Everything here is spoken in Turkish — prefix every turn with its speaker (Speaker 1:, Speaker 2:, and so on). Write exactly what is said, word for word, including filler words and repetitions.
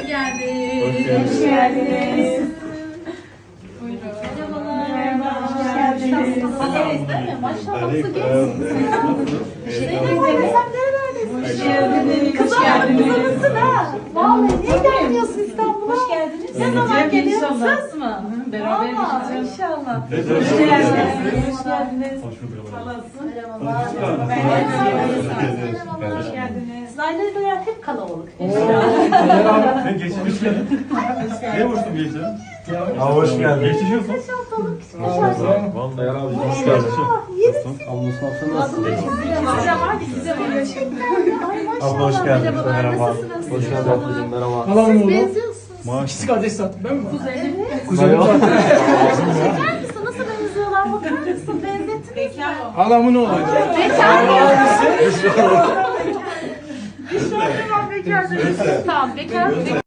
Speaker 1: Hoş geldiniz.
Speaker 2: Hoş geldiniz.
Speaker 1: Buyurun. Merhabalar.
Speaker 2: Merhaba, hoş geldiniz.
Speaker 1: Nasılsınız değil mi? Maşallah nasıl
Speaker 2: Hoş
Speaker 1: geldiniz.
Speaker 2: Hoş geldiniz.
Speaker 1: ha. Vallahi niye gelmiyorsun İstanbul'a?
Speaker 2: Hoş geldiniz.
Speaker 1: Ne zaman geliyorsun?
Speaker 2: İnşallah.
Speaker 1: Söz mü?
Speaker 2: Beraber
Speaker 1: Valla
Speaker 2: gideceğiz.
Speaker 1: inşallah.
Speaker 2: Hoş geldiniz. Hoş geldiniz.
Speaker 1: Merhabalar.
Speaker 2: Hoş geldiniz.
Speaker 1: Sizlerle böyle hep kalabalık.
Speaker 3: Ben geçmiş geldin. Ne vursun geçen?
Speaker 4: Ha, hoş geldin.
Speaker 3: Geçmiş olsun.
Speaker 1: Beş haftalık küçük
Speaker 4: Vallahi herhalde hoş geldin. Ablasın ablasın nasılsın?
Speaker 1: Size var size var. Ay maşallah.
Speaker 4: Abla hoş geldin.
Speaker 1: Merhabalar,
Speaker 4: Merhaba.
Speaker 1: nasılsınız?
Speaker 4: Hoş geldin ablacığım, merhaba.
Speaker 5: Halam
Speaker 1: Siz
Speaker 5: oğlu.
Speaker 1: benziyorsunuz.
Speaker 5: İkisi kardeş zaten ben mi?
Speaker 1: Evet.
Speaker 5: Kuzenim zaten.
Speaker 1: Şeker misin? Nasıl benziyorlar? Bakar mısın? Benzettiniz mi?
Speaker 5: Halamın oğlu.
Speaker 1: Bekar mı? Bekar mı? Tamam bekar. Bekar.